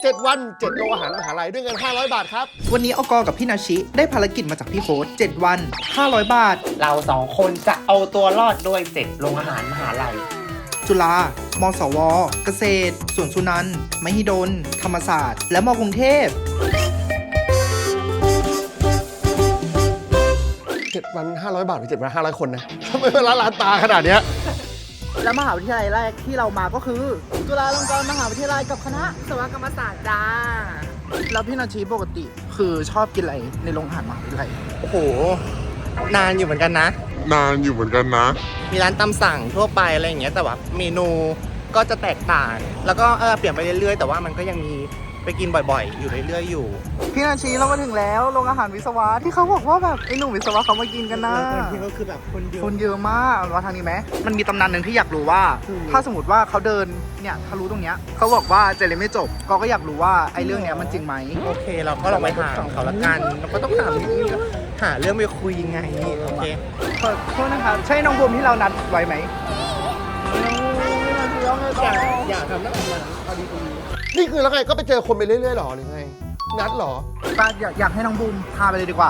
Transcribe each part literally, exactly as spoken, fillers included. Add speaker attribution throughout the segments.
Speaker 1: เจ็ดวันเจ็ดโรงอาหารมหาลัยด้วยเงินห้าร้อยบาทครับ
Speaker 2: วันนี้อกกับพี่นาชิได้ภารกิจมาจากพี่โค้ดเจ็ดวันห้าร้อยบาท
Speaker 3: เราสองคนจะเอาตัวรอดด้วยเจ็ดโรงอาหารมหาลัย
Speaker 2: จุฬามสวเกษตรสวนสุนันท์มหิดลธรรมศาสตร์และมกรุงเทพ
Speaker 1: เจ็ดวันห้าร้อยบาทหรือเจ็ดวันห้าร้อยคนนะทำไมเวลาล้านตาขนาดเนี้ย
Speaker 2: และมหาวิทยาลัยแรกที่เรามาก็คือจุฬาลงกรณ์มหาวิทยาลัยกับคณะวิศวกรรมศาสตร์จ้าแล้วพี่นาชีปกติคือชอบกินอะไรในโรงอาหารมหาวิทยาลัย
Speaker 3: โอ้โหนานอยู่เหมือนกันนะ
Speaker 4: นานอยู่เหมือนกันนะ
Speaker 3: มีร้านตามสั่งทั่วไปอะไรอย่างเงี้ยแต่ว่าเมนูก็จะแตกต่างแล้วก็เออเปลี่ยนไปเรื่อยๆแต่ว่ามันก็ยังมีไปกินบ่อยๆอยู่เรื่อยๆอยู่
Speaker 2: พี่นาชีเรามาถึงแล้วโรงอาหารวิศวะที่เขาบอกว่าแบบไอ้หนุ่มวิศวะเขามากินกันนะ
Speaker 3: ที่ก็คือแบบคนเยอะ
Speaker 2: คนเยอะมากว่าทางนี้ไหมมันมีตำนานหนึ่งที่อยากรู้ว่าถ้าสมมติว่าเขาเดินเนี่ยทะลุตรงเนี้ยเขาบอกว่าเจเลยไม่จบก็ก็อยากรู้ว่าไอ้เรื่องเนี้ยมันจริงไหม
Speaker 3: โอเคเราก็ลองไปถามเขาละกันเราก็ต้องถามนิดนึงหาเรื่องไปคุยยังไงโอเค
Speaker 2: ขอโทษนะครับใช่น้องบูมที่เรานัดไว้ไหม
Speaker 3: อยากอยากทำนักงานพอดีตรงนี้
Speaker 1: นี่คือแล้วไงก็ไปเจอคนไปเรื่อยๆหรอหรือไงนัดหรอ
Speaker 2: ป้าอยากอยากให้น้องบูมพาไปเลยดีกว่า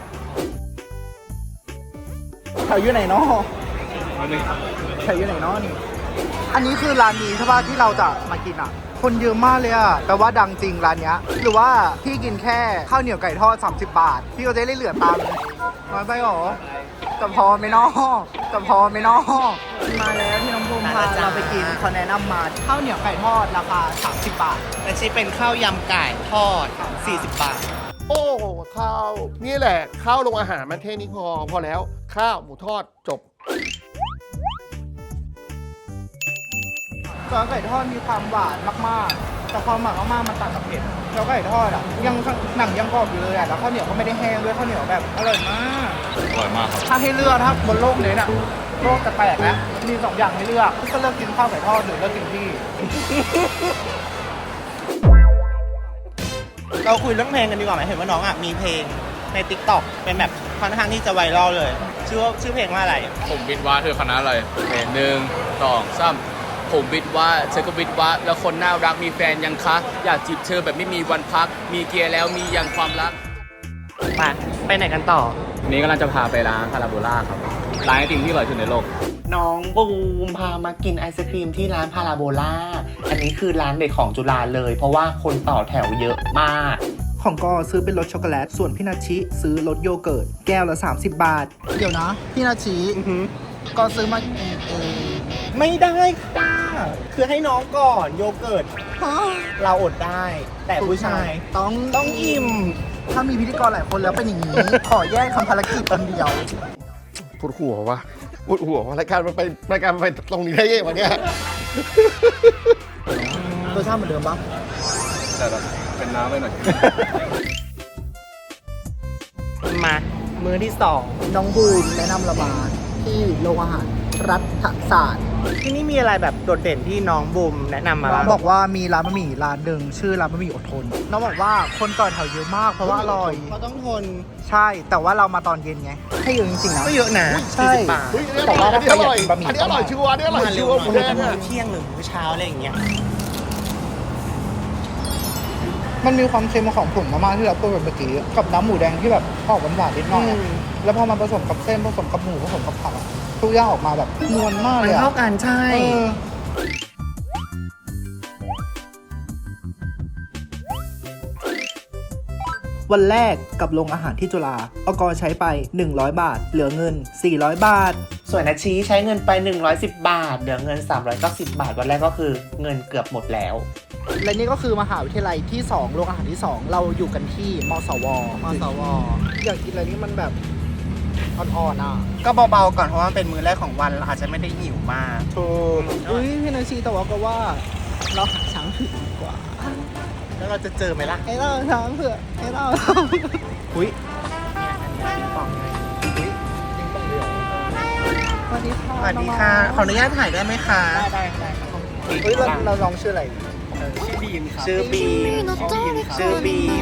Speaker 2: แถวอยู่ไหนเนาะแถวอยู่ไหนเนาะนี่อันนี้คือร้านนี้ใช่ป่ะที่เราจะมากินอ่ะคนเยอะมากเลยอ่ะแปลว่าดังจริงร้านเนี้ยหรือว่าพี่กินแค่ข้าวเหนียวไก่ทอดสามสิบบาทพี่ก็จะได้เหลือตังค์น้อยไปหรอจะพอไหมน้อจะพอไหมน้อมาแล้วที่น้องบูมพาเราไปกินเขาแนะนำมาข้าวเหนียวไก่ทอดราคาสามสิบบาท
Speaker 3: และที่เป็นข้าวยำไก่ทอดสี่สิบบาท
Speaker 1: โอ้ข้าวนี่แหละข้าวโรงอาหารมันเท่นี้พอพอแล้วข้าวหมูทอดจบ
Speaker 2: ข้าวไก่ทอดมีความหวานมากๆแต่ความหวานมากๆมันตัดกับเผ็ดข้าวไก่ทอดอ่ะยังหนังยังกรอบอยู่เลยอ่ะแล้วข้าวเหนียวก็ไม่ได้แห้งด้วยข้าวเหนียวแบบอร่อยมาก
Speaker 4: อร่อยมากครับ
Speaker 2: ถ้าให้เลือกถ้าบนโลกนี้น่ะโลกจะแตกแล้วมีสองอย่างให้เลือกก็เลือกกินข้าวไก่ทอดหรือเลือกกินพี่
Speaker 3: เราคุยเรื่องเพลงกันดีกว่าไหมเห็นว่าน้องอ่ะมีเพลงใน ติ๊กต็อก เป็นแบบค่อนข้างที่จะไวรัลเลยชื่อว่าชื่อเพลงว่าอะไร
Speaker 4: ผมวิทว่าเธอคณะอะไรเพลงหนึ่งสองสามผมวิทว่าเธอก็วิทว่าแล้วคนน่ารักมีแฟนยังคะอยากจีบเธอแบบไม่มีวันพักมีเกียร์แล้วมียังความรัก
Speaker 3: มาไปไหนกันต่อ
Speaker 4: วันนี้กำลังจะพาไปร้านพาราโบล่าครับร้านไอติมที่อร่อยที่สุดในโลก
Speaker 3: น้องบูมพามากินไอศครีมที่ร้านพาราโบล่าอันนี้คือร้านเด็ดของจุฬาเลยเพราะว่าคนต่อแถวเยอะมาก
Speaker 2: ของก็ซื้อเป็นรสช็อกโกแลตส่วนพี่นาชิซื้อรสโยเกิร์ตแก้วละสามสิบบาทเดี๋ยวนะพี่นาชิก็ซื้อมากินเอง
Speaker 3: ไม่ได้ค่ะคือให้น้องก่อนโยเกิร์ตเราอดได้แต่ผู้ชาย
Speaker 2: ต้อง
Speaker 3: ต้องอิ่ม
Speaker 2: ถ้ามีพิธีกรหลายคนแล้วเป็นอย่างนี้ขอแยกคำภารกิจคนเดียว
Speaker 1: ปวดหัววะปวดหัววะรายการมันไปรายการมันไปตรงนี้ได้ยังวะเนี่ย
Speaker 2: รสชาติเหมือนเดิมปะ
Speaker 4: แต่แบบเป็นน้ำไปหน่อย
Speaker 3: มามื้อที่สอง
Speaker 2: น้องบูมแนะนำเรามาที่โรงอาหารรัฐศาสตร์
Speaker 3: ที่นี่มีอะไรแบบโดดเด่นที่น้องบูมแนะนำมา
Speaker 2: น้องบอกว่ามีร้านบะหมี่ร้านหนึ่งชื่อร้านบะหมี่อดทนน้องบอกว่าคนต่อแถวเยอะมากเพราะว่าอร่อย
Speaker 3: เขาต้องทน
Speaker 2: ใช่แต่ว่าเรามาตอนเย็นไงให้เยอะจริงๆนะ
Speaker 3: ก็เยอะนะ
Speaker 2: ใช่
Speaker 1: แต่ว่าถ้าใครอยากกินบะหมี่อันนี้อร่อยชัวร์อันนี้อร่อยชัวร์
Speaker 3: หมือนมื้อเที่ยงหรือมื้อเช้าอะไรอย่างเงี้ย
Speaker 2: มันมีความเค็มของผงมาม่าที่เราพูดแบบเมื่อกี้กับน้ำหมูแดงที่แบบออกหวานๆนิดหน่อยแล้วพอมันผสมกับเส้นผสมกับหมูผสมกับผักทุกอย่างออกมาแบบนวลมากเลย
Speaker 3: มันเข้ากันใช่
Speaker 2: วันแรกกับโรงอาหารที่จุฬาอกใช้ไปหนึ่งร้อยบาทเหลือเงินสี่ร้อยบาท
Speaker 3: ส่วนอาชีใช้เงินไปหนึ่งร้อยสิบบาทเหลือเงินสามร้อยเก้าสิบบาทวันแรกก็คือเงินเกือบหมดแล้ว
Speaker 2: และนี่ก็คือมหาวิทยาลัยที่สองโรงอาหารที่สองเราอยู่กันที่มสวมสวอยากกินอะไรนี่มันแบบอ่อนๆอ่ะ
Speaker 3: ก็เบาๆก่อนเพราะว่าเป็นมื้อแรกของวันเราอาจจะไม่ได้หิวมาก
Speaker 2: ถูกอุ้ยพี่นาชีแต่ว่าก็ว่าเราหาช้างเผือกดีกว่า
Speaker 3: แล้วเราจะเจอไหมล่ะ
Speaker 2: ให้เราช้างเผือกให้เรา
Speaker 3: อุ้ย
Speaker 2: สวัสดีค่ะ
Speaker 3: สวัสดีค่ะขออนุญาตถ่ายได้ไหมคะ
Speaker 2: ได้ได้ได้เฮ้ยเราเราลองชื่ออะไร
Speaker 3: ชื่อบีมครับชื่อบีมชื่อบีม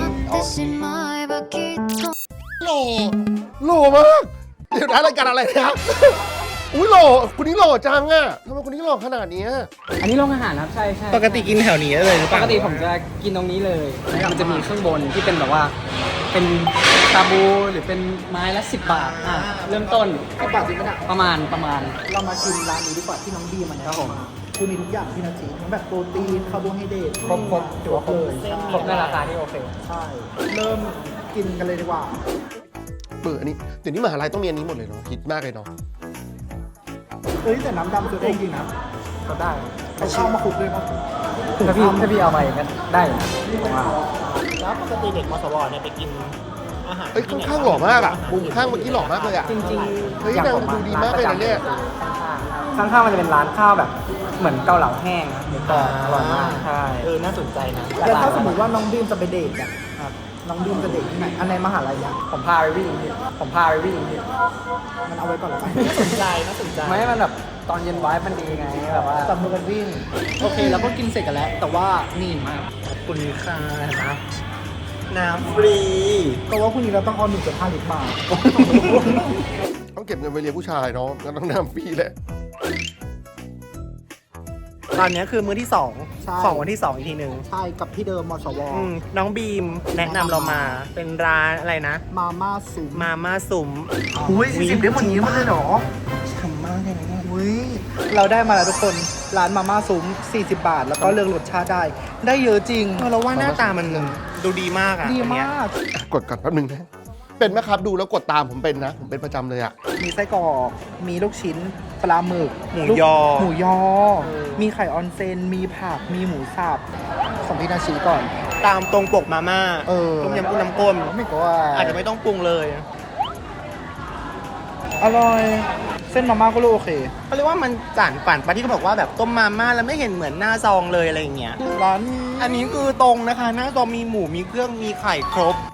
Speaker 1: โหล่โหล่มากเดี๋ยวนะรายการอะไรนะอุ้ยหล่อคนนี้หล่อจังอ่ะทำไมคนนี้หล่อขนาดเนี้ย
Speaker 5: อันนี้โรงอาหารครับใช่ใช่
Speaker 3: ปกติกินแถวนี้เลยหรือเป
Speaker 5: ป
Speaker 3: ล่าก
Speaker 5: ติผมจะกินตรงนี้เลยมันจะมีข้างบนที่เป็นแบบว่า เป็นชาบูหรือเป็นไม้ละสิบบาทอ่ะเริ่มต้น
Speaker 2: สิบบาทจริงไหมเนี่ย
Speaker 5: ประมาณประมาณ
Speaker 2: เรามาชิมร้านนี้ดีกว่าที่น้องดีมันนะครับผมคือมีทุกอย่างที่นาทีทั้งแบบโปรตีนคาร์โบไฮเดรตครบครบถือว่าครบเลยใช่
Speaker 5: ครบในราคาที่โอเค
Speaker 2: ใช่ เริ่มกินกันเลยดีกว่า
Speaker 1: เปิดอันนี้เดี๋ยวนี้มหาลัยต้องมีอันนี้หมดเลยเนาะคิดมากเลยเนาะ
Speaker 2: เฮ้ยแต่น้ำดำสุดเองจริงนะก็ได้เอาข้าวมาคลุกด้วยมั้ง
Speaker 5: ถ้าพี่ถ้าพี่เอาไปก็ได้อยู่นะผมว่า
Speaker 3: แล้วปกติเด็กมสวเนี่ยไปกินอาหาร
Speaker 1: เอ้ยข้างๆหล่อมากอ่ะมุมข้างเมื่อกี้หล่อมากเลยอ่ะ
Speaker 5: จริง
Speaker 1: เฮ้ย
Speaker 5: อย่าง
Speaker 1: นาง
Speaker 5: ผมอะ
Speaker 1: ดูดีมากเลยนะเนี่ย
Speaker 5: ข้างๆข้างๆมันจะเป็นร้านข้าวแบบ เหมือนเกาเหลาแห้งนะหมูกรอบอร่อยมากใช่
Speaker 3: เออน่าสนใจนะ
Speaker 2: แล้วถ้าสมมติว่าน้องดีมจะไปเดทเนี่ยครับน้องดีมจะเดทที่ไหนอันในมหาลัยเนี่ย
Speaker 5: ผมพาไปวิ่งพี่ผมพาไปวิ่งพี่
Speaker 2: มันเอาไว้ก่อนแล้วกัน
Speaker 3: น่าสนใจน่าสนใจ
Speaker 5: ไม่ให้มันแบบตอนเย็นไว้มันดีไงแบบว่า
Speaker 2: จับมือกันวิ่ง โอเคแล้วก็กินเสร็จกันแล้ว แต่ว่านี่
Speaker 5: มาก
Speaker 3: ขอบคุณค่ะนะน้ำฟรี
Speaker 2: ก็ว่าพรุ่งนี้เราต้องเอาหนึ่งจุดห้าลิตรมา
Speaker 1: ต้องเก็บเงินไปเรียนผู้ชายเนาะก็ต้องนำฟรีแหละ
Speaker 3: ตอนนี้คือมื้อที่สอง
Speaker 2: ใช่
Speaker 3: ของวันที่สองอีกทีหนึ่ง
Speaker 2: ใช่กับที่เดิมมสว
Speaker 3: อืมน้องบีมแนะนำเรามาเป็นร้านอะไรนะ
Speaker 2: มาม่าซุป
Speaker 3: มาม่าซุ้ม
Speaker 2: อุ้ยสี่สิบได้หมดนี้มาเลยเหรอ
Speaker 3: ฉ่ำมากเลยนะเนี่ย
Speaker 2: อุ้ยเราได้มาแล้วทุกคนร้านมาม่าซุ้มสี่สิบบาท แล้วก็เลือกรสชาติได้ ได้เยอะจริง
Speaker 3: เออเราว่าหน้าตามันดูดีมากอ่ะ
Speaker 2: ดี
Speaker 3: อันเนี้ย
Speaker 2: มาก
Speaker 1: กดก่อนแป๊บนึงนะเป็นไหมครับดูแล้วกดตามผมเป็นนะ ผมเป็นประจำเลยอ่ะ
Speaker 2: มีไส้กรอก มีลูกชิ้น ปลาหมึก
Speaker 3: หมู
Speaker 2: ลูก
Speaker 3: ยอ
Speaker 2: หมูยอ
Speaker 3: เออ
Speaker 2: มีไข่ออนเซน มีผัก มีหมูสับของพี่นาชีก่อน
Speaker 3: ตามตรงปกมาม่า
Speaker 2: เออ
Speaker 3: ต้มยำกุ้งน้ำข้น
Speaker 2: ไม่ก็ว่า
Speaker 3: อาจจะไม่ต้องปรุงเลย
Speaker 2: อร่อย เส้นมาม่าก็โอเค
Speaker 3: เขาเรียกว่ามันจานปั่นปะที่เขาบอกว่าแบบต้มมาม่าแล้วไม่เห็นเหมือนหน้าซองเลยอะไรอย่างเงี้ย
Speaker 2: ร้าน
Speaker 3: อันนี้คือตรงนะคะ หน้าซองมีหมูมีเครื่องมีไข่ครบ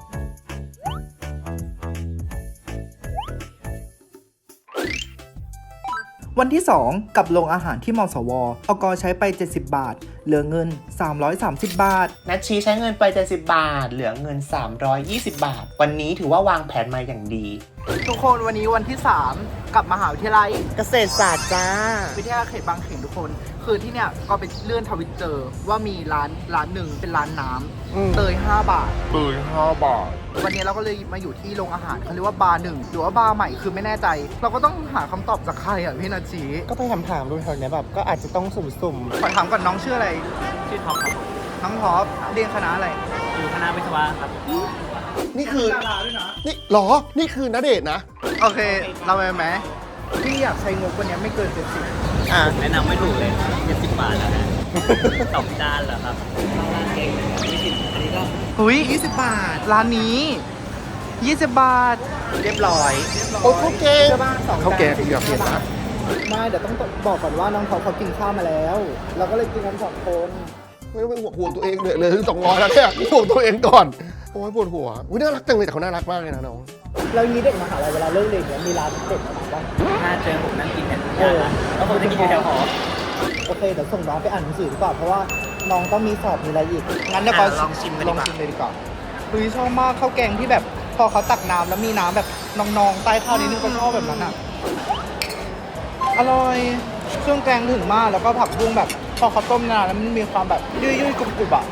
Speaker 2: วันที่ สอง กับโรงอาหารที่มสวอกใช้ไป เจ็ดสิบบาท เหลือเงิน สามร้อยสามสิบบาท
Speaker 3: นัชชีใช้เงินไปเจ็ดสิบบาท เหลือเงินสามร้อยยี่สิบบาท วันนี้ถือว่าวางแผนมาอย่างดี
Speaker 2: ทุกคนวันนี้วันที่ สาม กับมหาวิทยาลัย
Speaker 3: เกษตรศาสตร์จ้า
Speaker 2: วิทยาเขตบางเขนทุกคน คือที่เนี่ยก็ไปเลื่อนทวิตเจอว่ามีร้านร้านหนึ่งเป็นร้านน้
Speaker 3: อืม
Speaker 2: ำเตยห้าบาท
Speaker 1: เปิดห้าบาท
Speaker 2: วันนี้เราก็เลยมาอยู่ที่โรงอาหารเขาเรียกว่าบาร์หนึ่งหรือว่าบาร์ใหม่คือไม่แน่ใจ เราก็ต้องหาคำตอบจากใครอ่ะพี่นาจี
Speaker 3: ก็ไปถามถามๆดูแถวเนี้ยแบบก็อาจจะต้องสุ่ม
Speaker 2: ขอถามก่อนน้องชื่ออะไร
Speaker 5: ชื่อท็อปครับ
Speaker 2: น้องท็อปเรียนคณะอะไร
Speaker 5: อยู่คณะวิศวะครับ
Speaker 1: นี่คือ
Speaker 2: ดาราด้วยนะ
Speaker 1: นี่หรอ นี่คือณเดชน์นะ
Speaker 2: โอเค เราไปไหมพี่อยากใช้งบวันนี้ไม่เกินเจ็ดสิบ
Speaker 3: ๆอ่ะ
Speaker 5: แนะนำไม่ถูกเลยเจ็ดสิบบาทแล้วนะสองจานเหรอครับร้านเก่งยี่สิบอันนี้ก็
Speaker 2: หุยยี่สิบบาท ร้านนี้ยี่สิบบาท
Speaker 3: เรียบร้อย
Speaker 1: โอ้ข้าวแกง
Speaker 2: ใช่ป่ะสองจน
Speaker 1: ข้าวแกงอย่าเปลี่ยนนะ
Speaker 2: ไม่เดี๋ยวต้องบอกก่อนว่าน้องท็อปเขากินข้าวมาแล้ว เราก็เลยกินกันสองคน
Speaker 1: ไม่ต้องไปห่วงห่วงตัวเองเลยเลยสองร้อยแล้วเนี่ยห่วงตัวเองก่อนโอ้ยปวดหัวอุ้ยน่ารักจังเลยแต่เขาน่ารักมากเลยนะน้อง
Speaker 2: แล้วนี้เด็กมหาลัยเวลาเลิกเรียนเนี่ยมีร้านเด็กมาบ้าง
Speaker 5: ถ้าเจอผมนั่งกินกันทุกอย่างนะแล้วผมจะกินอยู่แถวหอ
Speaker 2: โอเคเดี๋ยวส่งน้องไปอ่านหนังสือดีกว่าเพราะว่าน้องต้องมีสอบมีอะไรอีกงั้นเดี๋ยวก็
Speaker 3: อ่ะลองชิมกัน
Speaker 2: ล
Speaker 3: ดี
Speaker 2: อง
Speaker 3: กว่า
Speaker 2: ชิมเลยดีกว่าคุยชอบมากข้าวแกงที่แบบพอเขาตักน้ำแล้วมีน้ำแบบนองๆใต้ข้าวนิดนึงก็ชอบแบบนั้นอ่ะอร่อยเครื่องแกงถึงมากแล้วก็ผักบุ้งแบบพอเขาต้มนานแล้วมันมีความแบบยุ่ยๆกรุบๆอ่ะ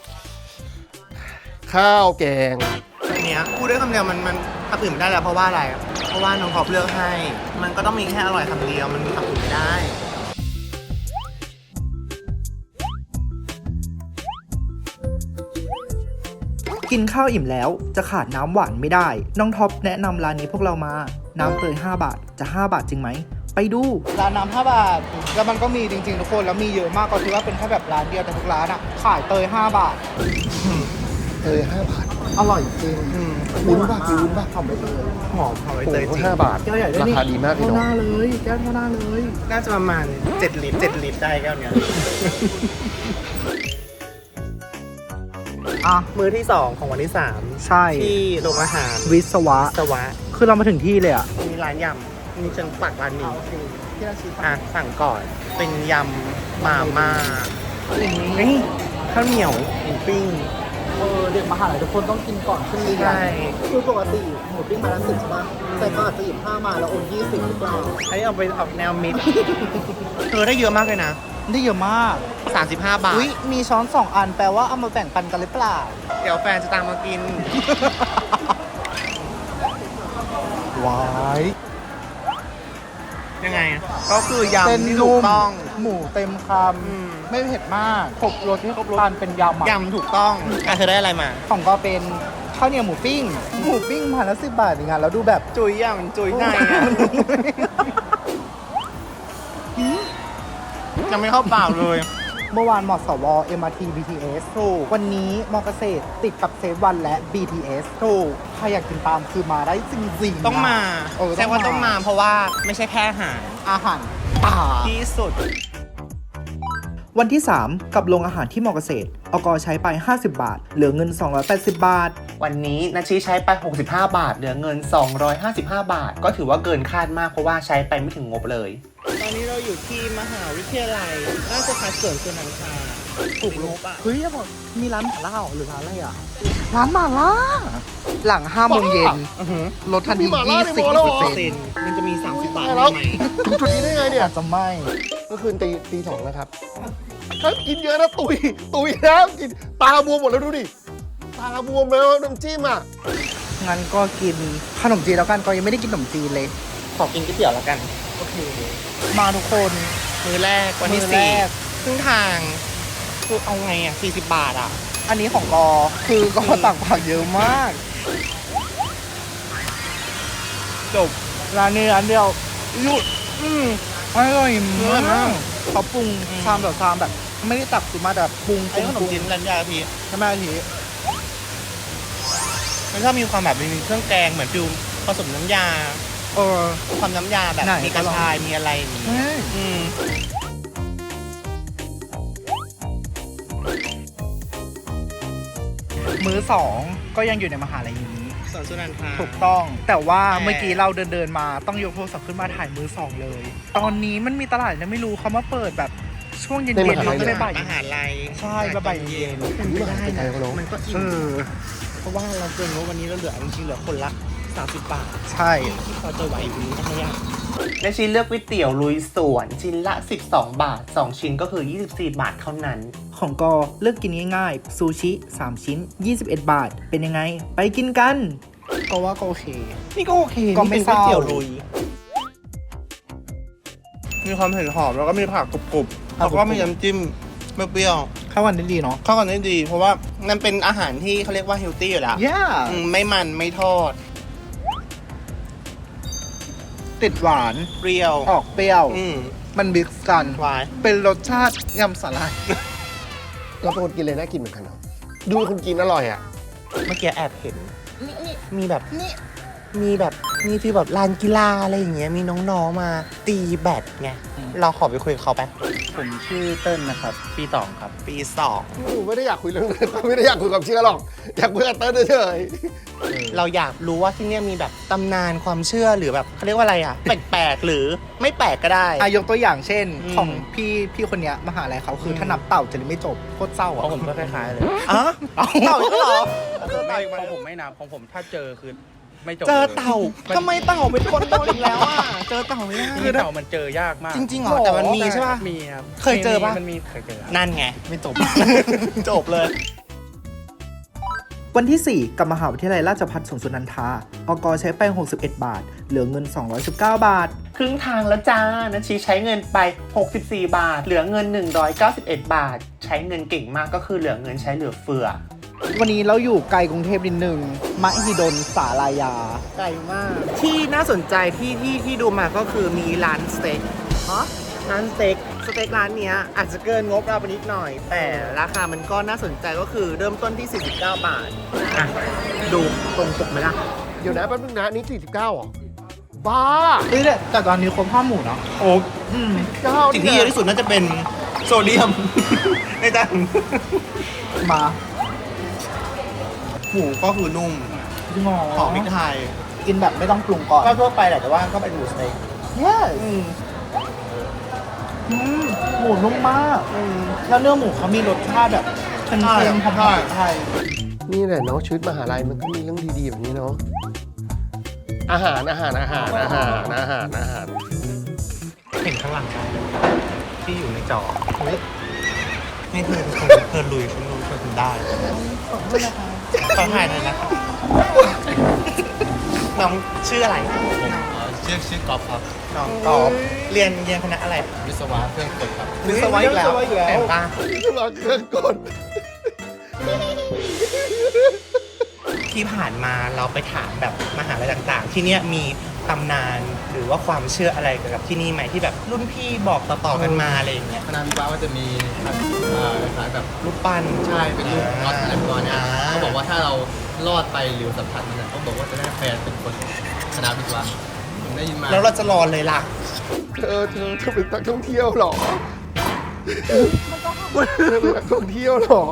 Speaker 1: ข้าวแกง
Speaker 3: อันเนี้ยพูดได้คำเดียวมันมันคำอื่นไม่ได้แล้วเพราะว่าอะไร เพราะว่าน้องท็อปเลือกให้ มันก็ต้องมีแค่อร่อยคำเดียว มันมีคำอื่นไม่ได้
Speaker 2: กินข้าวอิ่มแล้วจะขาดน้ำหวานไม่ได้ น้องท็อปแนะนำร้านนี้พวกเรามา น้ำเตยห้าบาท จะห้าบาทจริงไหม ไปดู ร้านน้ำห้าบาท แล้วมันก็มีจริงๆทุกคน แล้วมีเยอะมากก็คือว่าเป็นแค่แบบร้านเดียวแต่ทุกร้านอ่ะ ขายเตยห้าบาท
Speaker 1: เตยห้าบาท
Speaker 2: อร่อยจริง
Speaker 3: อืม
Speaker 1: วุ้นป่ะคือวุ้นป่ะ
Speaker 2: ทำไปเลย
Speaker 3: หอมหอมใบ
Speaker 1: โอ้
Speaker 3: เตย
Speaker 1: โห
Speaker 3: จริง
Speaker 1: ห้าบาท
Speaker 2: แก้วใหญ่ด้วย
Speaker 1: รา
Speaker 2: นี่
Speaker 1: คาดีมากเลย
Speaker 2: เท่าห
Speaker 1: เนาะ
Speaker 2: น้าเลย แก้วเท่าหน้าเลย
Speaker 3: น่าจะประมาณเจ็ดลิตรเจ็ดลิตรได้แก้วเนี้ย
Speaker 2: อ่ะ
Speaker 3: มื้อที่สองของวันที่สาม
Speaker 2: ใช่
Speaker 3: ที่โรงอาหาร
Speaker 2: วิศวะ
Speaker 3: สวะ
Speaker 2: คือเรามาถึงที่เลยอ่ะ
Speaker 3: มีร้านยำนี่ฉันปักร้านนี้
Speaker 2: ที่ราชี
Speaker 3: อ่ะสั่งก่อน เป็นยำมาม่า
Speaker 2: อย่างนี้
Speaker 3: เฮ้ยข้าวเหนียวหมูปิ้ง
Speaker 2: เออเด็กมหาลัยทุกคนต้องกินก่อนขึ้นเรียน
Speaker 3: ใช่
Speaker 2: คือปกติหมูปิ้งมาละสิบใช่ปะแต่ก็อาจจะหยิบห้ามาแล้วโอนยี่สิบหรือเปล่า
Speaker 3: ให้เอาไปออกแนวมิด เธอได้เยอะมากเลยนะ
Speaker 2: ได้เยอะมาก
Speaker 3: สามสิบห้าบาท
Speaker 2: อุ้ยมีช้อนสองอันแปลว่าเอามาแบ่งปันกันหรือเปล่า
Speaker 3: เดี๋ยวแฟนจะตามมากิน
Speaker 2: ว้าย
Speaker 3: ยังไง ก็คือยำ
Speaker 2: เป็น
Speaker 3: ที่
Speaker 2: นุ่
Speaker 3: ถูก
Speaker 2: ม
Speaker 3: ต้อง
Speaker 2: หมูเต็มค
Speaker 3: อืม
Speaker 2: ำไม่เผ็ดมากครบรสที่ครบรสทานเป็นยำอะ
Speaker 3: ยำถูกต้องอ่ะเธอได้อะไรมา
Speaker 2: ของก็เป็นข้าวเหนียวหมูปิ้ง หมูปิ้งมาละสิบบาทอย่างเงี้ยแล้วดูแบบ
Speaker 3: จุยย่ำจุยในอ่ะ ยังไม่เข้าปากเลย
Speaker 2: เมื่อวานมสว เอ็ม อาร์ ที บี ที เอส
Speaker 3: ถูก
Speaker 2: วันนี้มอเกษตรติดกับเซฟวันและ บี ที เอส
Speaker 3: ถูก
Speaker 2: ใครอยากกินตามคือมาได้จริงๆ
Speaker 3: ต้องมา
Speaker 2: เออ
Speaker 3: แสดงว่าต้องมาเพราะว่าไม่ใช่แค่อาหาร
Speaker 2: อาหารป่า
Speaker 3: ที่สุด
Speaker 2: วันที่ สาม กับโรงอาหารที่มอเกษตรอกใช้ไป ห้าสิบบาท เหลือเงิน สองร้อยแปดสิบบาท
Speaker 3: วันนี้นาชีใช้ไป หกสิบห้า บาท เหลือเงิน สองร้อยห้าสิบห้า บาท ก็ถือว่าเกินคาดมากเพราะว่าใช้ไปไม่ถึงงบเลย ตอนนี้เราอยู่ที่มหาวิทยาลัยราชภัฏสวนสุนันทาถูกงบอ่ะ
Speaker 2: เฮ้ยอย่าบอกมีร้านหม่าล่าเหรอหรือร้านอะไรอ่ะ ร้านหม่าล่า หลังห้าโมงเย็น
Speaker 3: อือหือ
Speaker 2: ลดทันที
Speaker 1: มีหม่าล่า
Speaker 2: ยี่
Speaker 1: ใน
Speaker 2: สิบ
Speaker 1: โมแล้วเหรอ
Speaker 2: เปอร์
Speaker 3: เซ
Speaker 2: เซ็น
Speaker 3: น
Speaker 2: ต์
Speaker 3: มันจะมี สามสิบบาท
Speaker 1: แล้ว
Speaker 3: ไหม
Speaker 1: ถึงจุดนี้ได้ไงเนี่ย
Speaker 2: อาจจะไม่
Speaker 1: เมื่อคืนตีตีสองนะครับถ้ากินเยอะนะตุย ตุยแล้วกินตาบวมหมดแล้วดูดิ ตาบวมแล้วน้ำจิ้มอ่ะ
Speaker 2: งั้นก็กินขนมจีนแล้วกันก็ยังไม่ได้กินขนมจีนเลย
Speaker 3: ขอกินก๋วยเตี๋ยวแล้วกัน
Speaker 2: โอเค มาทุกคน
Speaker 3: มือแรกวันที่
Speaker 2: มื้อแร
Speaker 3: สี่
Speaker 2: ก
Speaker 3: ครึ่งทางคือเอาไงอ่ะสี่สิบบาทอ่ะ
Speaker 2: อันนี้ของกอ คือกอตักผักเยอะมาก
Speaker 3: จบ
Speaker 2: ร้านนี้ร้านเดียวหยุด
Speaker 3: อืม
Speaker 2: อร่อย
Speaker 3: อร่อย
Speaker 2: มาม
Speaker 3: าก ก
Speaker 2: เขาปรุง
Speaker 3: อืม
Speaker 2: ชามต่อชามแบบ ไม่ได้ตักสุดมาแต่แบบปรุง
Speaker 3: ไอ้ขนมจีนรันยาพี่
Speaker 2: ใช่ไหมอาที
Speaker 3: มันชอบมีความแบบมีเครื่องแกงเหมือนฟิวผสมน้ำยา
Speaker 2: เออ
Speaker 3: ความน้ำยาแบบ
Speaker 2: ไหน
Speaker 3: มีกระชายมีอะไรอย่างงี้
Speaker 2: เฮ้ย
Speaker 3: อืม
Speaker 2: มื้อสองก็ยังอยู่ในมหาลัยนี้
Speaker 3: สวนสุนันทา
Speaker 2: ถูกต้อง แต่ว่า
Speaker 3: แต่
Speaker 2: เมื่อกี้เราเดินเดินๆมาต้องยกโทรศัพท์ขึ้นมาถ่ายมือสองเลย ตอนนี้มันมีตลาดนะไม่รู้เขามาเปิดแบบช่วงเย็น
Speaker 1: ใน
Speaker 2: ๆ
Speaker 1: มหาลั
Speaker 2: เรา
Speaker 1: ย
Speaker 2: ก็
Speaker 1: เล
Speaker 2: ได้
Speaker 1: ย
Speaker 2: บ่าย
Speaker 3: มหาลัย
Speaker 2: ใช่บ่ายๆเย็น
Speaker 3: คุณไม่ได้
Speaker 1: ไม่ได้
Speaker 3: นะ
Speaker 1: เขาลง
Speaker 3: มันก็อิ่
Speaker 2: เอ
Speaker 3: ม
Speaker 2: อ
Speaker 3: เพราะว่าเราเกินงบวันนี้เราเหลือจริงๆเหลือคนละสามสิบบาท
Speaker 2: ใช่
Speaker 3: ที่เขาจะไหวอยู่นี้ทำไมอ่ะและชิ้นเลือกก๋วยเตี๋ยวลุยสวนชิ้นละสิบสองบาทสองชิ้นก็คือยี่สิบสี่บาทเท่านั้น
Speaker 2: ของกอเลือกกินง่ายๆซูชิสามชิ้นยี่สิบเอ็ดบาท เป็นยังไง ไปกินกัน ก็ว่าก็โอเค
Speaker 3: นี่ก็โอเค
Speaker 2: ก็ไม่
Speaker 3: นี่เป็นก๋วยเตี๋ยว
Speaker 2: เศร้า
Speaker 3: ลุย มีความเผ็ดหอมแล้วก็มีผักกรุบๆแล้วก็มีน้ำจิ้มเปรี้ยว
Speaker 2: ข้าววันนี้ดีเนาะ
Speaker 3: ๆเข้ากันได้ดี เพราะว่ามันเป็นอาหารที่เขาเรียกว่าเฮลตี้อยู่แล้ว
Speaker 2: ย่า
Speaker 3: อืมไม่มันไม่ทอด
Speaker 2: ติดหวาน
Speaker 3: เปรี้ยว
Speaker 2: ออกเปรี้ยว
Speaker 3: อืม
Speaker 2: มันมิกซ์กัน
Speaker 3: หวาน
Speaker 2: เป็นรสชาติยำสาหร่าย
Speaker 1: เราเป็นคนกินเลยน่ากินเหมือนกันเนาะดูเป็นคนกินอร่อยอ่ะ
Speaker 3: เมื่อกี้แอบเห็นมีแบบมีแบบมีฟีลแบบลานกีฬาอะไรอย่างเงี้ยมีน้องๆมาตีแบดไงเราขอไปคุยกับเขาไป
Speaker 5: ผมชื่อเติ้ลนะครับ ปีสองครับ
Speaker 3: ปีสอง
Speaker 1: หนูไม่ได้อยากคุยเรื่องนั้นไม่ได้อยากคุยกับเชื่อหรอก อยากคุยกับเต้นเฉย
Speaker 3: เราอยากรู้ว่าที่เนี่ยมีแบบตำนานความเชื่อหรือแบบเขาเรียกว่าอะไรอ่ะ แปลกๆหรือไม่แปลกก็ได้
Speaker 2: อายกตัวอย่างเช่น
Speaker 3: อืม
Speaker 2: ของพี่พี่คนเนี้ยมหาลัยเขาคืออ
Speaker 3: ม
Speaker 2: ถ้านับเต่าจะไม่จบโคตรเศร้า
Speaker 5: ข
Speaker 2: อ่ะ
Speaker 5: องผมก็คล้ายๆเลย
Speaker 3: อ๋อเต่าอีกแล้วเหรอ
Speaker 5: ไม่ของผมไม่นับของผมถ้าเจอคือไม่จบ
Speaker 3: เจอ
Speaker 5: ลย
Speaker 3: เต่าทำไมเต่าเป็นคนโดนอีกแล้วอ่ะเจอเต่าไม่ได้
Speaker 5: คือเต่ามันเจอยากมาก
Speaker 3: จริงๆเหรอแต่มันมีใช่ป่ะ
Speaker 5: มีครับ
Speaker 3: เคยเจอปะ
Speaker 5: มันมีเคยเจอครับ
Speaker 3: นั่นไง
Speaker 2: ไม่จบ
Speaker 3: จบเลย
Speaker 2: วันที่ สี่ กับมหาวิทยาลัยราชภัฏสวนสุนันทาอกใช้ไปหกสิบเอ็ดบาท เหลือเงินสองร้อยสิบเก้าบาท
Speaker 3: ครึ่งทางแล้วจ้านัชชีใช้เงินไปหกสิบสี่บาท เหลือเงินหนึ่งร้อยเก้าสิบเอ็ดบาท ใช้เงินเก่งมากก็คือเหลือเงินใช้เหลือเฟือ
Speaker 2: วันนี้เราอยู่ไกลกรุงเทพนิดนึงมหิดลสาลายา
Speaker 3: ไกลมาก ที่น่าสนใจที่ที่ที่ดูมาก็คือมีร้านสเต็กฮะร้านสเต็กสเต็กร้านเนี้ยอาจจะเกินงบเราไปนิดหน่อย แต่ราคามันก็น่าสนใจก็คือเริ่มต้นที่สี่สิบเก้าบาทอ่ะดูตรงปกไหมล่ะ
Speaker 1: ๆ เดี๋ยวนะแป๊บนึงนะนี่สี่สิบเก้าหรอ บ้า
Speaker 2: เฮ้ยแต่ตอนนี้คนข้าวหมูเนาะ
Speaker 3: โอ้
Speaker 2: อืม
Speaker 1: เก้า
Speaker 3: สิ่งที่เยอะที่สุดน่าจะเป็นโซเดียม ในจาน
Speaker 2: มา
Speaker 3: หมูก็คือนุ่ม
Speaker 2: จริงเหรอ
Speaker 3: หอมพริกไทย
Speaker 2: กินแบบไม่ต้องปรุงก่อน
Speaker 3: ก็ทั่วไปแหละแต่ว่าก็เป็นหมูสเต็ก
Speaker 2: yes
Speaker 3: อืม
Speaker 2: อืมหมูนุ่มมาก
Speaker 3: อืม
Speaker 2: แล้วเนื้อหมูเขามีรสชาติแบบเค็มๆหอมๆไทย
Speaker 1: นี่แหละเนาะชีวิตมหาลัยมันก็มีเรื่องดีๆแบบนี้เนาะอาหารอาหารอาหารอาหารอาหารอาหาร
Speaker 3: เห็นข้างหลังได้ที่อยู่ในจอนี่เธอเธอลุยคุณลุยเธอทำได้ขอถ่ายหน่อยนะครับน้องชื่ออะไร
Speaker 4: ชื่อชื่อกอล์ฟครับ
Speaker 3: น้องกอล์ฟเรียนเรียนคณะอะไร
Speaker 4: วิศวะเครื่องกลครับ
Speaker 3: วิศวะอีกแล้วแอบป้า
Speaker 1: สมัครเครื่องกล
Speaker 3: ที่ผ่านมาเราไปถามแบบมหาลัยต่างๆ ที่เนี้ยมีตำนานหรือว่าความเชื่ออะไรเกี่ยวกับที่นี่ไหมที่แบบรุ่นพี่บอกต่อๆกันมาอะไรอย่างเงี้ย
Speaker 4: คณะวิศวะก็จะมีอ่าคล้ายแบบ
Speaker 3: รูปปั้น
Speaker 4: ใช่เป็นรูปน็อตอะไรประมาณเนี้ย
Speaker 3: อ่า
Speaker 4: เขาบอกว่าถ้าเรารอดไปหรือสัมผัสมันเนี่ยเขาบอกว่าจะได้แฟนเป็นคนคณะวิศวะผมได้ยินมา
Speaker 3: แล้วเราจะรอเลยล่ะ
Speaker 1: เธอเธอเธอเป็นนักท่องเที่ยวเหรอเธอเป็นนักท่องเที่ยวเหรอ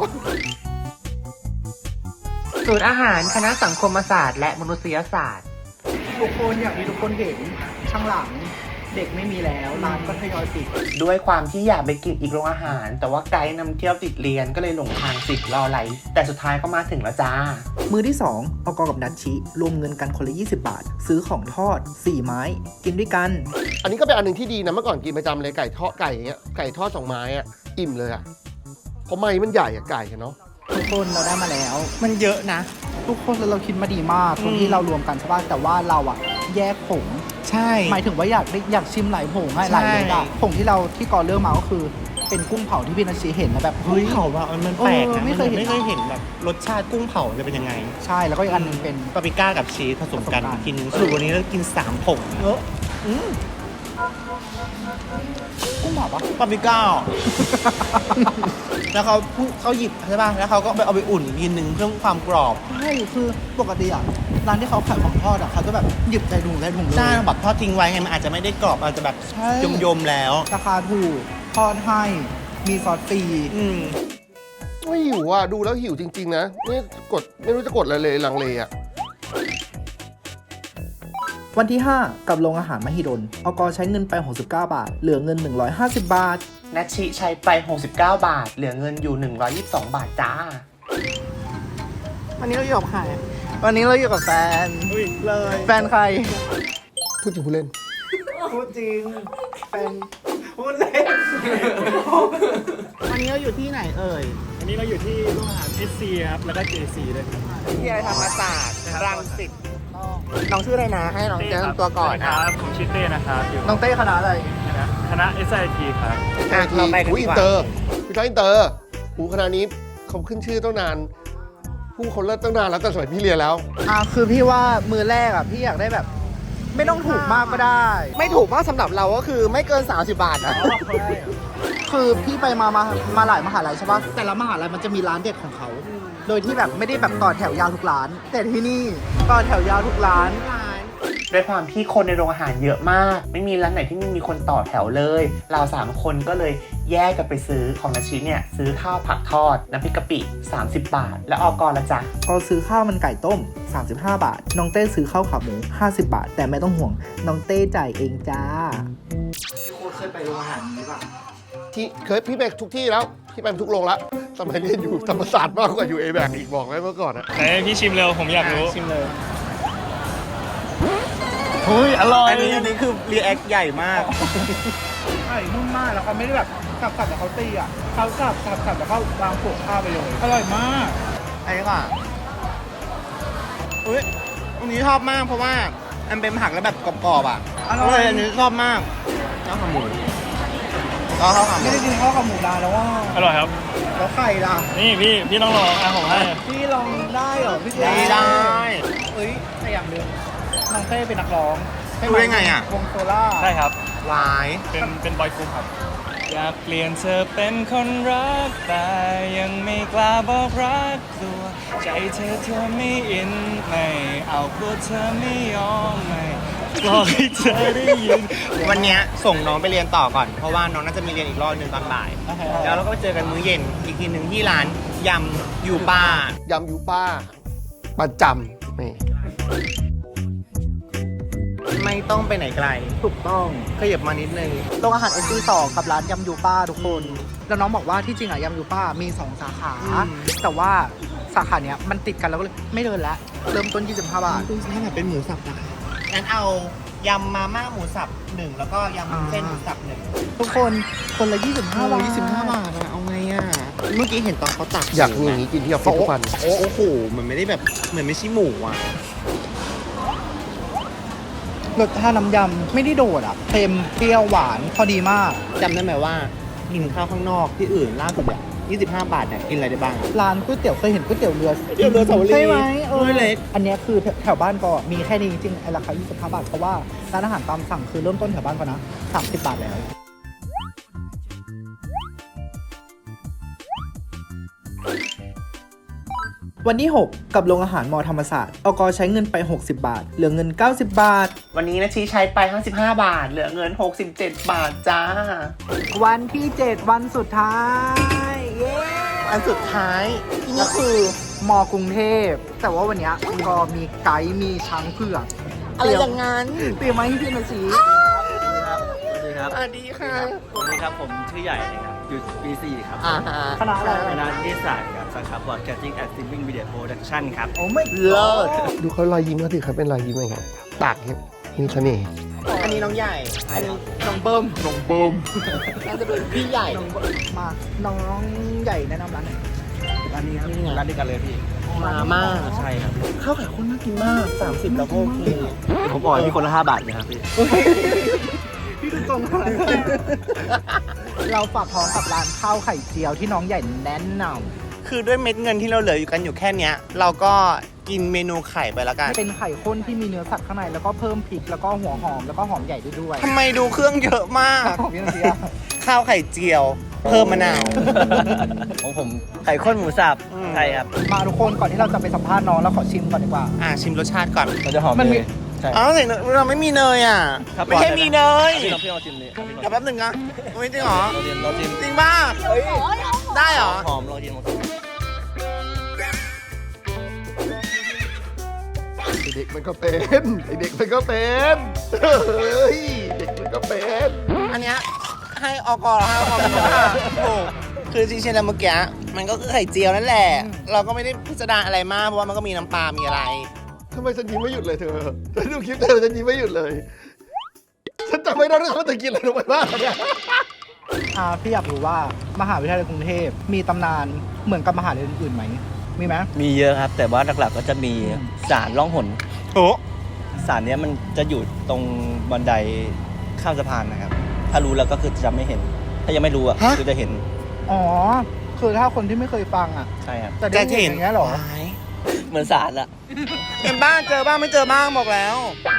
Speaker 3: สูตรอาหารคณะสังคมศาสตร์และมนุษยศาสตร์
Speaker 2: ทุกคนอยากมีทุกคนเห็นข้างหลังเด็กไม่มีแล้วร้านก็ทยอยปิด
Speaker 3: ด้วยความที่อยากไปกินอีกโรงอาหาร แต่ว่าไกด์นำเที่ยวติดเรียนก็เลยหลงทางสิทธิ์รอไหลแต่สุดท้ายก็มาถึงแล้วจ้า
Speaker 2: มือที่สองออกกับนัชชิรวมเงินกันคนละยี่สิบบาท ซื้อของทอดสี่ไม้ กินด้วยกัน
Speaker 1: อันนี้ก็เป็นอันหนึ่งที่ดีนะเมื่อก่อนกินประจำเลยไก่ทอดไก่อย่างเงี้ยไก่ทอดสองไม้อะอิ่มเลยอะเพราะไม้มันใหญ่อะไก่อะเนาะ
Speaker 2: ทุกคนเราได้มาแล้ว
Speaker 3: มันเยอะนะ
Speaker 2: ทุกคนเราคิดมาดีมากตรง
Speaker 3: อืม
Speaker 2: ที่เรารวมกันใช่ป่ะแต่ว่าเราอะแยกผง
Speaker 3: ใช่
Speaker 2: หมายถึงว่าอยากได้อยากชิมหลายผงให้
Speaker 3: ใช่
Speaker 2: หลายรสอะผงที่เราที่กอเลือกมาก็คือ เป็นกุ้งเผาที่พี่นัชชีเห็นแล้วแบบ
Speaker 3: เฮ้
Speaker 2: เฮ้
Speaker 3: ย
Speaker 2: ย
Speaker 3: เผาว่ามันแปลก
Speaker 2: เออ
Speaker 3: นะ
Speaker 2: ไม่เคยเห็น
Speaker 3: ไม่เคยเห็นแบบรสชาติกุ้งเผาจะเป็นยังไง
Speaker 2: ใช่แล้วก็อีกอันหนึงเป็น
Speaker 3: ปาปริก้ากับชีสผสมกัน
Speaker 2: ผสมกัน
Speaker 3: กินสรุปวันนี้เรากินสามผงเอออืม
Speaker 2: กุ้งเผาปะ
Speaker 3: ปาปริก้า แล้วเขาพูเขาหยิบใช่ป่ะแล้วเขาก็ไปเอาไปอุ่นอีกทีนึงเพื่อความกรอบ
Speaker 2: ใช่คือปกติอะร้านที่เขาขายของทอดอะเขาจะแบบหยิบใส่ถุงใส่ถุงเลย
Speaker 3: ใช่แบบทอดทิ้งไว้ไงมันอาจจะไม่ได้กรอบอาจจะแบบ
Speaker 2: ใช่
Speaker 3: ยมๆแล้ว
Speaker 2: ราคาถูกทอดให้มีซอสฟรี
Speaker 3: อืม
Speaker 1: ไม่หิวอ่ะดูแล้วหิวจริงๆนะนี่กดไม่รู้จะกดอะไรเลยลังเลอ่ะ
Speaker 2: วันที่ ห้า กับโรงอาหารมหิดลอกใช้เงินไปหกสิบเก้าบาท เหลือเงินหนึ่งร้อยห้าสิบบาท
Speaker 3: นัชชิใช้ไปหกสิบเก้าบาท เหลือเงินอยู่หนึ่งร้อยยี่สิบสองบาทจ้า วันนี้เราอยู่กับใครวันนี้เราอยู่กับแฟนเลย แฟนใคร
Speaker 1: พูดจริงพูดเล่น
Speaker 3: พูดจริงแฟนพูดเล่น วันนี้เราอยู่ที่ไหนเอ่ย
Speaker 6: อันนี้เราอยู่ที่โรงอาหาร เอส ซี ครับ แล้วก็ เจ ซี ด้วยครับ
Speaker 3: ที่อะไรธรรมศาสตร์รังสิตน้องชื่ออะไรนะ ให้น้องแนะนำตัวก่อน
Speaker 6: ค
Speaker 3: อ่ะ
Speaker 6: รับ ผมชื่อเต้นะครับ อยู่
Speaker 2: น้องเต้คณะอะไร
Speaker 6: คณะคณะ เอส ไอ ที ครับ
Speaker 3: อ่ะเราไปกัน
Speaker 1: อุ๊ย
Speaker 3: ดี
Speaker 1: อิ
Speaker 3: ก
Speaker 1: น
Speaker 3: ว่า
Speaker 1: เตอร์พี่น้อยอินเตอร์หูคณะนี้เขาขึ้นชื่อตั้งนาน ผู้คนเลิศตั้งนานแล้วแต่สมัยพี่เรียนแล้ว
Speaker 2: อ่ะคือพี่ว่ามือแรกอ่ะพี่อยากได้แบบ ไม่ต้องถูกมากก็ได้
Speaker 3: ไม่ถูกมากสำหรับเราก็คือไม่เกิน สามสิบบาทนะ
Speaker 2: คือพี่ไปมามามาหลายมหาลัยใช่ปะแต่ละมหาลัยมันจะมีร้านเด็ดของเขา โดยที่แบบไม่ได้แบบต่อแถวยาวทุกร้าน แต่ที่นี่ต่อแถวยาวทุกร้าน
Speaker 3: ด้วยความที่คนในโรงอาหารเยอะมาก ไม่มีร้านไหนที่ไม่มีคนต่อแถวเลย เราสามคนก็เลยแยกกันไปซื้อของนาชิเนี่ยซื้อข้าวผักทอดน้ำพริกกะปิสามสิบบาท แล้วออกรละจ๊ะ
Speaker 2: ก็ซื้อข้าวมันไก่ต้ม สามสิบห้า บาท น้องเต้ซื้อข้าวขาหมู ห้าสิบ บาท แต่ไม่ต้องห่วง น้องเต้จ่ายเองจ้าพี่โค้ดเคยไปโรงอาหารนี้ป่ะ
Speaker 1: ที่เคยพี่ไปทุกที่แล้ว พี่ไปทุกโรงแล้วสมัยเรียนอยู่ธรรมศาสตร์มากกว่าอยู่เอแบกอีกบอกไว้เมื่อก่อนอะ
Speaker 6: ไหนพี่ชิมเร็ว ผมอยากรู้
Speaker 3: ชิมเลย
Speaker 6: เฮ้ย อร่อย
Speaker 3: อันนี้อันนี้คือรีแอคใหญ่มาก
Speaker 2: ไก่นุ่มมากแล้วเขาไม่ได้แบบสับสับแต่เขาตีอ่ะเขาสับสับสับแต่เขาวางโขกข้าวไปเลย อร่อยมาก
Speaker 3: อันนี้ก่อนอุ้ยอันนี้ชอบมากเพราะว่าอันเป็นผักแล้วแบบกรอบๆอ่ะ
Speaker 2: อร่อย
Speaker 3: ก็เลยอันนี้ชอบมากข้าวขาหมูก็ข้าวขาหมู
Speaker 2: ไม่ได้กินข้าวขาหมูนานแล้วว่า
Speaker 6: อร่อยครับ
Speaker 2: แล้วไข่ล่ะ
Speaker 6: นี่พี่ พี่ต้องลองอ่ะผมให้
Speaker 2: พี่ลองได้เหรอพี่เจ
Speaker 3: ดีได้
Speaker 2: เอ้ยแต่อย่างหนึงน้องเต้เป็นนักร้อง
Speaker 3: รู้ได้ไงอ่ะ
Speaker 2: วงโซล่า
Speaker 6: ใช่ครับ
Speaker 3: หวาย
Speaker 6: เป็น เป็นบอยกรุ๊ปครับ อยากเปลี่ยนเธอเป็นคนรัก แต่ยังไม่กล้าบอกรักตัว ใจเธอเธอไม่อิน ไม่เอากลัวเธอไม่ยอมไม่บอกให้เธอได้ยิน
Speaker 3: วันเนี้ยส่งน้องไปเรียนต่อก่อน เพราะว่าน้องน่าจะมีเรียนอีกรอบหนึ่งตอนบ่าย แล้วเราก็เจอกันมื้อเย็นอีกทีหนึ่งที่ร้านยำยูป้า
Speaker 1: ยำยูป้าประจำนี่
Speaker 3: ไม่ต้องไปไหนไกล
Speaker 2: ถูกต้อง
Speaker 3: ขยับมานิดนึง
Speaker 2: โรงอาหารเอสซีสองกับร้านยำยูป้าทุกคนแล้วน้องบอกว่าที่จริงอะยำยูป้ามีสองสาขา แต่ว่าสาขาเนี้ยมันติดกันแล้วก็เลยไม่เดินแล้วเริ่มต้นยี่สิบห้าบาท
Speaker 3: ดูสิแบบเป็นหมูสับนะคะงั้นเอายำมาม่าหมูสับหนึ่งแล้วก็ยำเส้นหมูสับหนึ่ง
Speaker 2: ทุกคนคนละยี่สิบห้าบาท
Speaker 3: ยี่สิบห้าบาทอะเอาไงอะเมื่อกี้เห็นตอนเขาตัก
Speaker 1: อยากมีอย่างนี้กินที่ออฟฟิศทุกวัน
Speaker 3: โอ้โอ้โหเหมือนไม่ได้แบบเหมือนไม่ใช่หมูอะ
Speaker 2: รสชาติน้ำยำไม่ได้โดดอ่ะเค็มเปรี้ยวหวานพอดีมาก
Speaker 3: จำได้ไหมว่ากินข้าวข้างนอกที่อื่นล่าสุดเนี่ยยี่สิบห้าบาทเนี่ยกินอะไรได้บ้างอะ
Speaker 2: ร้านก๋วยเตี๋ยวเคยเห็นก๋วยเตี๋ยวเรือ
Speaker 3: ก๋วยเตี๋ยวเรือสาวรี
Speaker 2: ใช่ไหมเออ
Speaker 3: ถ้วยเล็ก
Speaker 2: อันเนี้ยคือแถวบ้านก็มีแค่นี้จริงๆไอ้ราคายี่สิบห้าบาทเพราะว่าร้านอาหารตามสั่งคือเริ่มต้นแถวบ้านก็นะสามสิบบาทแล้ว วันที่หกกับโรงอาหารมอธรรมศาสตร์อกใช้เงินไปหกสิบบาทเหลือเงินเก้าสิบบาท
Speaker 3: วันนี้นะชีใช้ไปห้าสิบห้าบาท เหลือเงินหกสิบเจ็ดบาทจ้า
Speaker 2: วันที่เจ็ดวันสุดท้าย เย้
Speaker 3: อันสุดท้าย
Speaker 2: ก็คือมอกรุงเทพ แต่ว่าวันเนี้ยก็มีไกด์มีช้างเผือก
Speaker 3: อะไรอย่างงั้น
Speaker 2: เตรียมมาให้พี่หน่อยสิ
Speaker 6: สวัสดีครับ
Speaker 3: สวัสดีค่ะ
Speaker 6: สวัสดีครับ ผมชื่อใหญ่นะครับอยู่ปีสี่ครับ
Speaker 3: อ่าฮะ
Speaker 2: คณะอะไร
Speaker 6: คณะนิเทศศาสตร์ครับสาขา Broadcasting and Streaming Media Production ครับ
Speaker 2: โอ้ไม่
Speaker 3: เลิศ
Speaker 1: ดูเขารอยยิ้มเขาสิครับเป็นรอยยิ้มไงครับปากเนี่ยมีเสน่ห์
Speaker 3: อันนี้น้องใหญ่ อันนี้
Speaker 2: น้องเบิ้ม
Speaker 1: น้องเบิ้ม
Speaker 3: น่าจะเป็นพี่ใหญ่
Speaker 2: มาน้องใหญ่แนะนำร้านหน่อย
Speaker 6: ร้านนี้ครับร้านเดียวกันเลยพี่
Speaker 3: มาม่า
Speaker 6: ใช่ครับ
Speaker 3: ข้าวไข่ข้นน่ากินมากสามสิบแล้วก็โอเค
Speaker 6: ผมอ่อยพี่คนละห้าบาทเลยครับพี่
Speaker 2: พี่ดูตรงมาเราฝากท้องกับร้านข้าวไข่เจียวที่น้องใหญ่แนะน
Speaker 3: คือด้วยเม็ดเงินที่เราเหลืออยู่กันอยู่แค่เนี้ย เราก็กินเมนูไข่ไปแล้วกัน
Speaker 2: ำเป็นไข่ข้นที่มีเนื้อสัตว์ข้างในแล้วก็เพิ่มพริกแล้วก็หัวหอมแล้วก็หอมใหญ่ด้วยด้วย
Speaker 3: ทำไมดูเครื่องเยอะมาก
Speaker 2: ของพี่นาเซีย
Speaker 3: ข้าวไข่เจียว เพิ่มมะนาว
Speaker 6: ของผมไข่ข้นหมูสับ
Speaker 3: อืม
Speaker 6: ใช่ครับ
Speaker 2: มาทุกคนก่อนที่เราจะไปสัมภาษณ์น้องเราขอชิมก่อนดีกว่า
Speaker 3: อ่าชิมรสชาติก่อน
Speaker 6: มันจะหอม
Speaker 2: มันมี
Speaker 6: เลยใช่
Speaker 3: อ๋อแต่เราไม่มีเนยอ่ะ
Speaker 6: ครับ
Speaker 3: ไม่ใช่มีเนย
Speaker 6: พี่ลองพี่ลองชิมดิครับพี่ลอง
Speaker 3: เดี๋ยวแป๊บหนึ่งนะไม่จริงเหรอ
Speaker 6: ลองชิมลองชิม
Speaker 3: จริงป่ะได้เหรอ
Speaker 6: หอมลองชิมลองชิม
Speaker 1: ไอเด็กมันก็เป็นไอเด็กมันก็เป็นเฮ้ยเด็กมันก็เป็น
Speaker 3: อันเนี้ยให้อกอให้อกอเป็นคนว่าโอ้คือจริงๆแล้วเมื่อกี้มันก็คือไข่เจียวนั่นแหละ เราก็ไม่ได้พิสดารอะไรมากเพราะว่ามันก็มีน้ำปลา มีอะไร
Speaker 1: ทำไมฉันยิ้มไม่หยุดเลยเธอฉันดูคลิปเธอฉันยิ้มไม่หยุดเลยฉันจำไม่ได้ด้วยว่าเธอกินอะไรลงไปบ้างเนี่ย
Speaker 2: อ่าพี่อยากรู้ว่ามหาวิทยาลัยกรุงเทพมีตำนานเหมือนกับมหาลัยอื่นๆไหมมีไหม
Speaker 6: มีเยอะครับ แต่ว่าหลักๆก็จะมีสารล่องหน
Speaker 3: โอ้
Speaker 6: สารเนี้ยมันจะอยู่ตรงบันไดข้ามสะพานนะครับ ถ้ารู้แล้วก็คือจะไม่เห็น ถ้ายังไม่รู้อ่ะคือจะเห็น
Speaker 2: อ๋อคือถ้าคนที่ไม่เคยฟังอ่ะ
Speaker 6: ใช่ครับ
Speaker 2: จะได้เห็นอย่างเงี้ยเหรอ
Speaker 6: เหมือนสารอะ
Speaker 3: เป็นบ้านเจอบ้างไม่เจอบ้างบอกแล้ว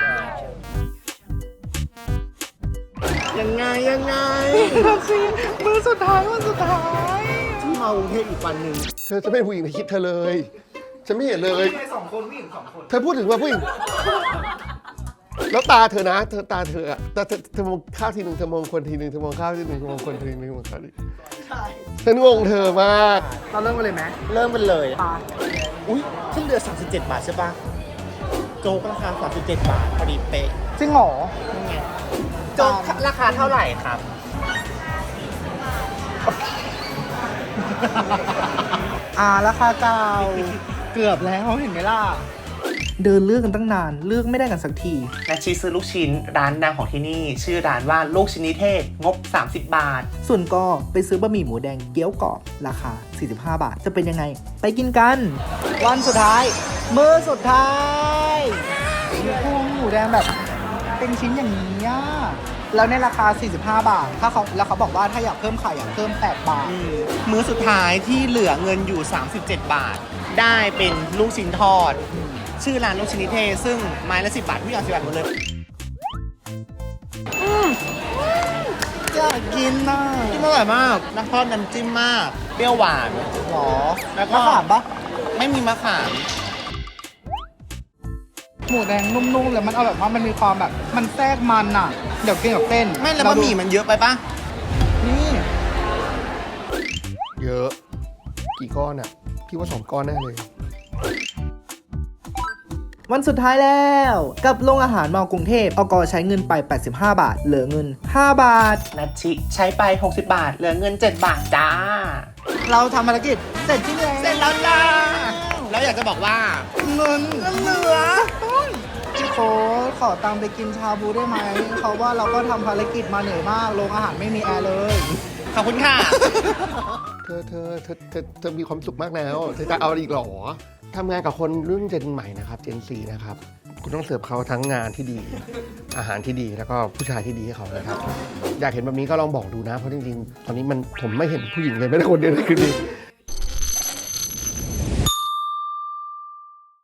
Speaker 3: ยังไงยังไง
Speaker 2: มือสุดท้ายวันสุดท้าย
Speaker 3: ที่มากรุงเทพอีกวันหนึ่ง
Speaker 1: เธอจะเป็นผู้หญิงในคลิปเธอเลยฉันไม่เห็นเลย
Speaker 2: สองคนผู้หญิงสองคน
Speaker 1: เธอพูดถึงว่าผู้หญิงแล้วตาเธอนะเธอตาเธออะตาเธอเธอมองข้าวทีหนึ่งเธอมองคนทีหนึ่งเธอมองข้าวทีหนึ่งเธอมองคนทีหนึ่งมองข้าวทีฉันงงเธอมาก
Speaker 2: เราเริ่มกันเลยไหม
Speaker 3: เริ่มกันเลย
Speaker 2: ปลา
Speaker 3: อุ้ยขึ้นเรือสามสิบเจ็ดบาทใช่ปะโจ๊กราคาสามสิบเจ็ดบาทพอดีเป๊ะ
Speaker 2: จริงเหรอ
Speaker 3: นี่ไงโจ๊กราคาเท่าไหร่ครับ
Speaker 2: อ่าราคาเก่าเกือบแล้วเห็นไหมล่ะ เดินเลือกกันตั้งนานเลือกไม่ได้กันสักที
Speaker 3: นาชีซื้อลูกชิ้นร้านดังของที่นี่ ชื่อร้านว่าลูกชิ้นนิเทศ งบ สามสิบบาท
Speaker 2: ส่วนก็ไปซื้อบะหมี่หมูแดงเกี๊ยวกรอบราคา สี่สิบห้า บาท จะเป็นยังไง ไปกินกัน วันสุดท้าย มื้อสุดท้ายมีพวงหมูแดงแบบ เป็นชิ้นอย่างนี้อ่ะแล้วในราคา สี่สิบห้า บาท ถ้าเขาแล้วเขาบอกว่าถ้าอยากเพิ่มไข่อ่ะเพิ่ม แปด บาท
Speaker 3: มื้อสุดท้ายที่เหลือเงินอยู่ สามสิบเจ็ด บาท ได้เป็นลูกชิ้นทอด ชื่อร้านลูกชิ้นนิเทศ ซึ่งไม้ละสิบบาททุกอย่างสิบบาทหมดเลย
Speaker 2: อยากกินน่ะ
Speaker 3: จิ้มอร่อยมากน้ำทอดน้ำจิ้มมาก เปรี้ยวหวาน
Speaker 2: หรอ
Speaker 3: แล้วก็
Speaker 2: มะขามปะ
Speaker 3: ไม่มีมะขาม
Speaker 2: หมูแดงนุ่มๆเลยมันเอาแบบว่ามันมีความแบบ มันแทรกมันอ่ะ เดี๋ยวกินกับเส้น
Speaker 3: ไม่แล้วบะหมี่มันเยอะไปปะ
Speaker 2: นี่
Speaker 1: เยอะ กี่ก้อนอ่ะ พี่ว่าสองก้อนแน่เลย
Speaker 2: วันสุดท้ายแล้วกับโรงอาหารมอกรุงเทพอกใช้เงินไปแปดสิบห้าบาทเหลือเงินห้าบาท
Speaker 3: นัทชิใช้ไปหกสิบบาทเหลือเงินเจ็ดบาทจ้า
Speaker 2: เราทำภารกิจเสร็จที่แล้ว
Speaker 3: เสร็จแล้วจ้าแล้วอยากจะบอกว่า
Speaker 2: เงินก็เหลือพี่โค้ดขอตังค์ไปกินชาบูได้ไหมเขาว่าเราก็ทำภารกิจมาเหนื่อยมากโรงอาหารไม่มีแอร์เลย
Speaker 3: ขอบคุณค่ะ
Speaker 1: เธอเธอเธอเธอเธอมีความสุขมากแล้วเธอจะเอาอีกเหรอทำงานกับคนรุ่นเจนใหม่นะครับเจนซีนะครับคุณต้องเสิร์ฟเขาทั้งงานที่ดี อาหารที่ดีแล้วก็ผู้ชายที่ดีให้เขานะครับ อยากเห็นแบบนี้ก็ลองบอกดูนะเพราะจริงๆตอนนี้มันผมไม่เห็นผู้หญิงเลยไม่ได้คนเดียวเลยคือดี